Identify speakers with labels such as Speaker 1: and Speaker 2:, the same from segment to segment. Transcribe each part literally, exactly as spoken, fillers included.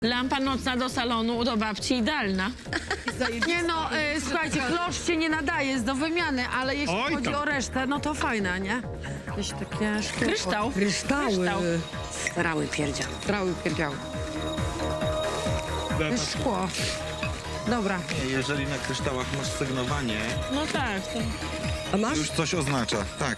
Speaker 1: Lampa nocna do salonu do babci idealna.
Speaker 2: Nie no, y, słuchajcie, klosz się nie nadaje, jest do wymiany, ale jeśli
Speaker 3: Oj,
Speaker 2: chodzi
Speaker 3: tam.
Speaker 2: o resztę, no to fajna, nie? Jakieś takie szkło.
Speaker 1: Kryształ.
Speaker 2: Kryształy.
Speaker 1: Kryształ.
Speaker 2: Strały pierdziały. Strały pierdziały. To jest szkło. Dobra.
Speaker 3: Jeżeli na kryształach masz sygnowanie,
Speaker 1: No tak. To...
Speaker 2: A masz?
Speaker 3: już coś oznacza. Tak.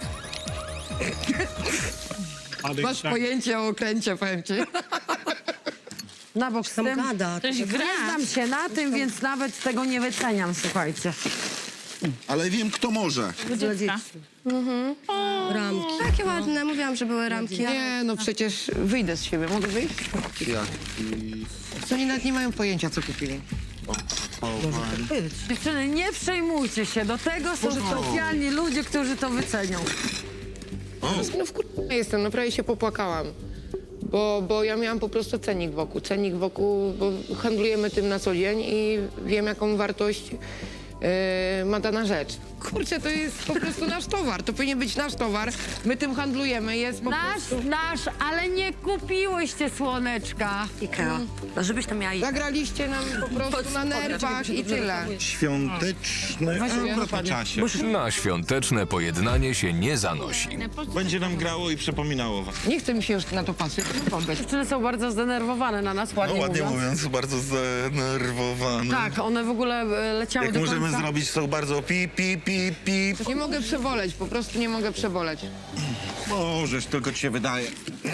Speaker 2: Masz pojęcie o okręcie, powiem ci. Na bok z tym.
Speaker 4: Gada.
Speaker 1: Ktoś gra.
Speaker 2: Nie znam się na tym, więc nawet tego nie wyceniam, słuchajcie.
Speaker 5: Ale wiem, kto może.
Speaker 1: Dziecka.
Speaker 4: Ramki.
Speaker 6: Takie ładne, mówiłam, że były ramki.
Speaker 2: Nie, no przecież wyjdę z siebie. Mogę wyjść?
Speaker 5: Jak? I...
Speaker 2: Co oni nawet nie mają pojęcia, co kupili. Dziewczyny, nie przejmujcie się. Do tego są specjalni ludzie, którzy to wycenią.
Speaker 7: No wkurwiona jestem, no prawie się popłakałam. Bo, bo ja miałam po prostu cennik wokół. Cennik wokół, bo handlujemy tym na co dzień i wiem, jaką wartość yy, ma dana rzecz. Kurczę, to jest po prostu nasz towar. To powinien być nasz towar. My tym handlujemy. Jest po
Speaker 2: Nasz,
Speaker 7: prostu...
Speaker 2: nasz, ale nie kupiłyście słoneczka.
Speaker 4: Ikea. No żebyś to miała Ikea.
Speaker 7: Zagraliście nam po prostu na nerwach i tyle.
Speaker 3: Świąteczne... A, po czasie.
Speaker 8: Na świąteczne pojednanie się nie zanosi.
Speaker 3: Będzie nam grało i przypominało was.
Speaker 7: Nie chce mi się już na to patrzeć. Wobec.
Speaker 2: Dziewczyny są bardzo zdenerwowane na nas,
Speaker 3: No
Speaker 2: ładnie,
Speaker 3: ładnie
Speaker 2: mówiąc.
Speaker 3: mówiąc, bardzo zdenerwowane.
Speaker 2: Tak, one w ogóle e, leciały
Speaker 3: Jak
Speaker 2: do
Speaker 3: możemy
Speaker 2: końca.
Speaker 3: zrobić, są bardzo pi, pi, pi, pi.
Speaker 7: Nie mogę przeboleć, po prostu nie mogę przeboleć.
Speaker 3: Możesz, tylko ci się wydaje.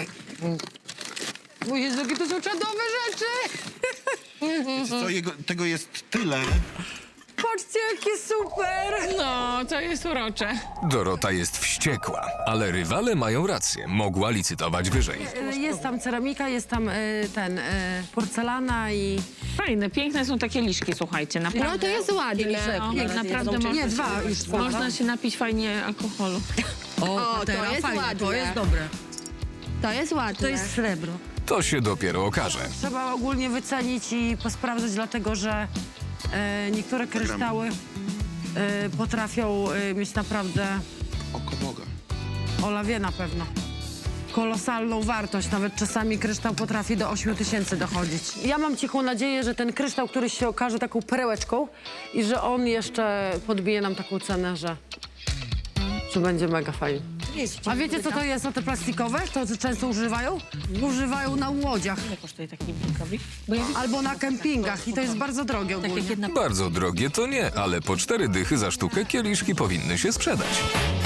Speaker 2: O Jezu, jakie to są czadowe rzeczy!
Speaker 3: Wiecie co, jego, tego jest tyle.
Speaker 2: Patrzcie, jakie super!
Speaker 1: No, to jest urocze.
Speaker 8: Dorota jest wściekła, ale rywale mają rację. Mogła licytować wyżej.
Speaker 2: E, Jest tam ceramika, jest tam e, ten, e, porcelana i...
Speaker 1: Fajne, piękne są takie liszki, słuchajcie, naprawdę.
Speaker 6: No to jest ładne.
Speaker 1: No,
Speaker 2: Nie,
Speaker 1: naprawdę
Speaker 2: nie,
Speaker 1: można,
Speaker 2: dwa już są.
Speaker 1: można się napić fajnie alkoholu.
Speaker 2: O,
Speaker 6: to jest ładne.
Speaker 2: to jest dobre.
Speaker 6: To jest ładne.
Speaker 4: To jest srebro.
Speaker 8: To się dopiero okaże.
Speaker 2: Trzeba ogólnie wycenić i posprawdzać, dlatego że e, niektóre kryształy e, potrafią e, mieć naprawdę,
Speaker 5: Oko Boga.
Speaker 2: Ola wie na pewno, kolosalną wartość. Nawet czasami kryształ potrafi do ośmiu tysięcy dochodzić. Ja mam cichą nadzieję, że ten kryształ, który się okaże taką perełeczką i że on jeszcze podbije nam taką cenę, że, że będzie mega fajny. A wiecie, co to jest, o te plastikowe? To, co często używają? Używają na łodziach
Speaker 1: Ile kosztuje taki blinkowik? Bo ja
Speaker 2: albo na kempingach i to jest bardzo drogie ogólnie.
Speaker 8: Bardzo drogie to nie, ale po cztery dychy za sztukę kieliszki powinny się sprzedać.